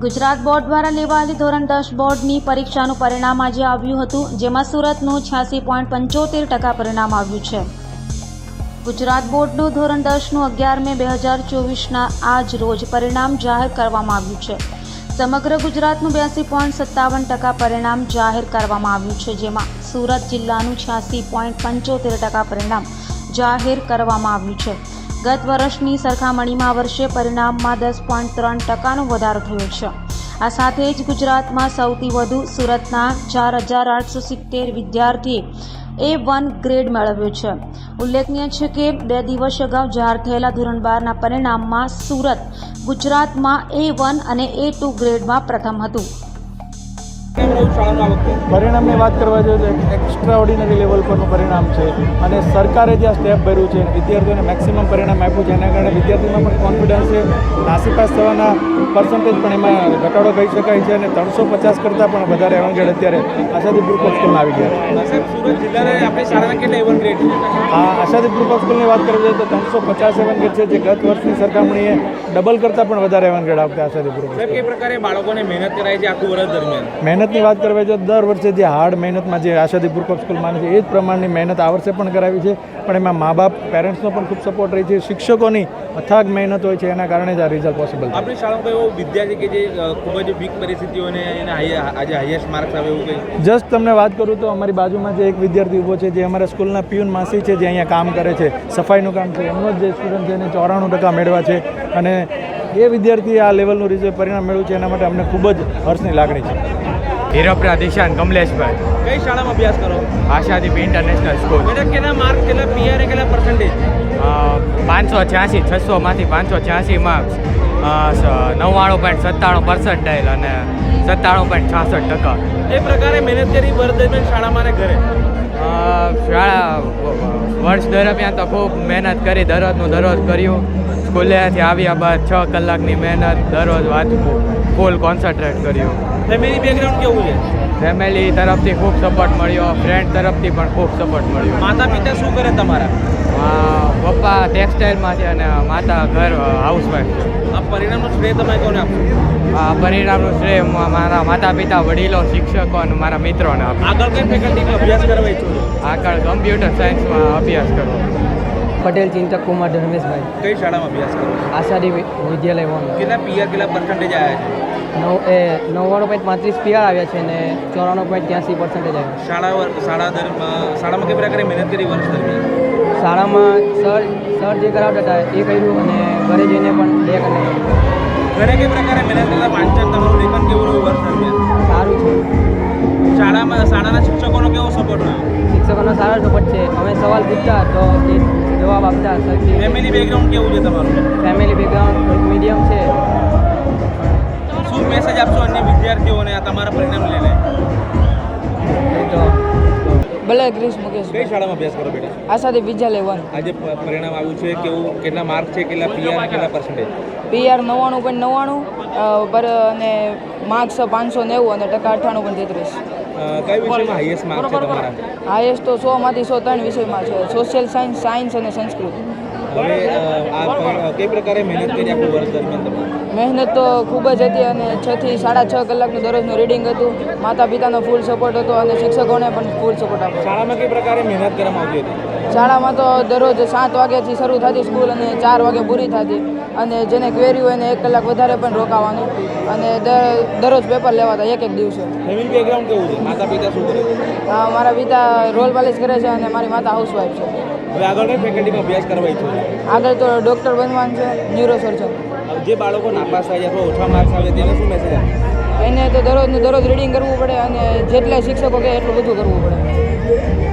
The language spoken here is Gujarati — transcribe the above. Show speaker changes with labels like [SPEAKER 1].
[SPEAKER 1] ગુજરાત બોર્ડ દ્વારા લેવાયેલી ધોરણ 10 બોર્ડની પરીક્ષાનું પરિણામ આજે આવ્યું હતું, જેમાં સુરતનું 86.75% પરિણામ આવ્યું છે. ગુજરાત બોર્ડનું ધોરણ 10નું 11 મે 2024ના આજ રોજ પરિણામ જાહેર કરવામાં આવ્યું છે. સમગ્ર ગુજરાતનું 82.57% પરિણામ જાહેર કરવામાં આવ્યું છે, જેમાં સુરત જિલ્લાનું 86.75% પરિણામ જાહેર કરવામાં આવ્યું છે. ગત વર્ષની સરખામણીમાં આ વર્ષે પરિણામમાં 10.3%નો વધારો થયો છે. આ સાથે જ ગુજરાતમાં સૌથી વધુ સુરતના 4,870 વિદ્યાર્થીએ A1 ગ્રેડ મેળવ્યો છે. ઉલ્લેખનીય છે કે 2 દિવસ અગાઉ જાહેર થયેલા ધોરણ 12ના પરિણામમાં સુરત ગુજરાતમાં A1 અને A2 ગ્રેડમાં પ્રથમ હતું.
[SPEAKER 2] પરિણામની વાત કરવા જોઈએ તો એક્સ્ટ્રા ઓર્ડિનરી લેવલ પરનું પરિણામ છે અને સરકારે જે આ સ્ટેપ ભર્યું છે વિદ્યાર્થીઓને મેક્સિમમ પરિણામ આપ્યું છે, એના કારણે વિદ્યાર્થીમાં પણ કોન્ફિડન્સ છે. નાસીપાસ થવાના પર્સન્ટેજ પણ એમાં ઘટાડો કહી શકાય છે અને 350 કરતાં પણ વધારે એવંગેડ અત્યારે આશાદી ગ્રુપ ઓફ સ્કૂલમાં આવી ગયા છે.
[SPEAKER 3] સુરત જિલ્લાના આપણી શાળાના કેટલા એવન ગ્રેડ છે?
[SPEAKER 2] હા, આશાદી ગ્રુપ ઓફ સ્કૂલની વાત કરવી જોઈએ તો 350 એવંગેડ છે, જે ગત વર્ષની સરખામણીએ ડબલ કરતાં પણ વધારે એવંગેડ આવતા આશાદી ગ્રુપ.
[SPEAKER 3] સાહેબ, કઈ પ્રકારે બાળકોને મહેનત કરાય છે આખું વર્ષ દરમિયાન?
[SPEAKER 2] મહેનતની વાત કરવા જોઈએ તો દર વર્ષે જે હાર્ડ મહેનતમાં જે આશાદી ગ્રુપ ઓફ સ્કૂલ માને છે એ જ પ્રમાણની મહેનત આ વર્ષે પણ કરાવી છે, પણ એમાં મા બાપ પેરેન્ટ્સનો પણ ખૂબ સપોર્ટ રહી છે. શિક્ષકોની અથાગ મહેનત હોય છે, એના કારણે જ આ રિઝલ્ટ પોસિબલ છે.
[SPEAKER 3] આપણી શાળામાં એવો વિદ્યાર્થી કે જે ખૂબ જ વીક પરિસ્થિતિઓને આજે હાઈએસ્ટ માર્ક્સ આવે એવું કંઈ?
[SPEAKER 2] જસ્ટ તમને વાત કરું તો અમારી બાજુમાં જે એક વિદ્યાર્થી ઊભો છે, જે અમારા સ્કૂલના પિયુન માસી છે, જે અહીંયા કામ કરે છે, સફાઈનું કામ છે, એમનો જ જે સ્ટુડન્ટ છે એને 94% મેળવ્યા છે અને એ વિદ્યાર્થીએ આ લેવલનું રિઝલ્ટ પરિણામ મેળવ્યું છે, એના માટે અમને ખૂબ જ હર્ષની લાગણી છે.
[SPEAKER 4] હીરપરા દિશાન કમલેશભાઈ.
[SPEAKER 3] કઈ શાળામાં અભ્યાસ કરો?
[SPEAKER 4] Ashadeep international school.
[SPEAKER 3] બેટા કેટલા માર્ક, કેટલા પીઆર, કેટલા પર્સન્ટેજ?
[SPEAKER 4] 586, 600માંથી 586 માર્ક્સ, 99.97 પર્સન્ટાઇલ અને 97.66%.
[SPEAKER 3] એ પ્રકારે મહેનત કરી વર્ષ દરમિયાન શાળામાં અને ઘરે?
[SPEAKER 4] શાળા વર્ષ દરમિયાન તો ખૂબ મહેનત કરી, દરરોજ કર્યું. સ્કૂલેથી આવ્યા બાદ 6 કલાકની મહેનત, દરરોજ વાંચવું, ફૂલ કોન્સન્ટ્રેટ કર્યું.
[SPEAKER 3] ફેમિલી બેકગ્રાઉન્ડ કેવું છે?
[SPEAKER 4] ફેમિલી તરફથી ખૂબ સપોર્ટ મળ્યો, ફ્રેન્ડ તરફથી પણ ખૂબ સપોર્ટ મળ્યો.
[SPEAKER 3] માતા પિતા શું કરે તમારા?
[SPEAKER 4] પપ્પા ટેક્સટાઇલમાં છે અને માતા ઘર હાઉસવાઈફ છે.
[SPEAKER 3] આ પરિણામનું શ્રેય તમે કોને આપશો?
[SPEAKER 4] આ પરિણામનું શ્રેય મારા માતા પિતા, વડીલો, શિક્ષકો અને મારા મિત્રોને આપું.
[SPEAKER 3] આગળ કઈ ફેકલ્ટીમાં અભ્યાસ કરવા ઈચ્છો છો?
[SPEAKER 4] આગળ કમ્પ્યુટર સાયન્સમાં અભ્યાસ કરવો.
[SPEAKER 5] પટેલ ચિંતક કુમાર ધર્મેશભાઈ,
[SPEAKER 3] કઈ શાળામાં અભ્યાસ કરો?
[SPEAKER 5] આશાદી વિદ્યાલય વન.
[SPEAKER 3] કેટલા પીઆર, કેટલા પર્સન્ટેજ આવ્યા છે?
[SPEAKER 5] 99.35 પીઆર આવ્યા છે અને 94.83% આવ્યા.
[SPEAKER 3] શાળામાં કઈ પ્રકારે મહેનત કરી વર્ષ દરમિયાન?
[SPEAKER 5] શાળામાં સર જે કરાવતા હતા એ કર્યું અને ઘરે જઈને પણ બે કરી.
[SPEAKER 3] ઘરે કઈ પ્રકારે મહેનત કરતા? વાંચન, તમારું લેખન કેવું રહ્યું વર્ષ દરમિયાન?
[SPEAKER 5] સારું છે.
[SPEAKER 3] શાળાના શિક્ષકોનો કેવો સપોર્ટ રહ્યો?
[SPEAKER 5] શિક્ષકોનો સારો સપોર્ટ છે. અમે સવાલ પૂછતા તો એ જવાબ આપતા.
[SPEAKER 3] ફેમિલી બેકગ્રાઉન્ડ કેવું છે તમારું?
[SPEAKER 5] ફેમિલી બેકગ્રાઉન્ડ મીડિયમ છે.
[SPEAKER 3] શું મેસેજ આપશો અન્ય વિદ્યાર્થીઓને આ તમારા પરિણામ લઈને?
[SPEAKER 5] તો ભલે ગ્રીસ મુકેશ.
[SPEAKER 3] કઈ શાળામાં અભ્યાસ કરો બેટા?
[SPEAKER 5] આશાદી વિદ્યાલય વન.
[SPEAKER 3] આજે પરિણામ આવ્યું છે, કેવું, કેટલા માર્ક છે, કેટલા પીઆર, કેટલા પર્સન્ટેજ?
[SPEAKER 5] પીઆર 99.99 પર અને માર્ક્સ 590 અને ટકા 98.33.
[SPEAKER 3] કઈ વિષયમાં હાઈએસ્ટ માર્ક છે તમારા?
[SPEAKER 5] હાઈએસ્ટ તો 100માંથી 103 વિષયમાં છે. સોશિયલ સાયન્સ, સાયન્સ અને સંસ્કૃત.
[SPEAKER 3] હવે આ કઈ પ્રકારે મહેનત કરી આખું વર્ષ દરમિયાન તમે?
[SPEAKER 5] મહેનત તો ખૂબ જ હતી અને 6 થી 6.5 કલાકનું દરરોજનું રીડિંગ હતું. માતા પિતાનો ફૂલ સપોર્ટ હતો અને શિક્ષકોને પણ ફૂલ સપોર્ટ આપ્યો.
[SPEAKER 3] શાળામાં કઈ પ્રકારે મહેનત કરવામાં આવતી હતી?
[SPEAKER 5] શાળામાં તો દરરોજ 7 વાગ્યાથી શરૂ થતી સ્કૂલ અને 4 વાગે પૂરી થતી અને જેને ક્વેરી હોય એને 1 કલાક વધારે પણ રોકાવાનું અને દરરોજ પેપર લેવાતા એક દિવસે.
[SPEAKER 3] ફેમિલી બેકગ્રાઉન્ડ કેવું છે? માતા પિતા શું કરે?
[SPEAKER 5] મારા પિતા રોલ પાલિશ કરે છે અને મારી માતા હાઉસવાઈફ છે.
[SPEAKER 3] હવે આગળ કઈ ફેકલ્ટીમાં અભ્યાસ કરવા ઈચ્છો છો?
[SPEAKER 5] આગળ તો ડૉક્ટર બનવાનું છે, ન્યુરો સર્જન.
[SPEAKER 3] જે બાળકો નાપાસ થાય અથવા ઓછા માર્ક્સ આવે તેને શું મેસેજ આપે?
[SPEAKER 5] એને તો દરરોજ રીડિંગ કરવું પડે અને જેટલા શિક્ષકો કહે એટલું બધું કરવું પડે.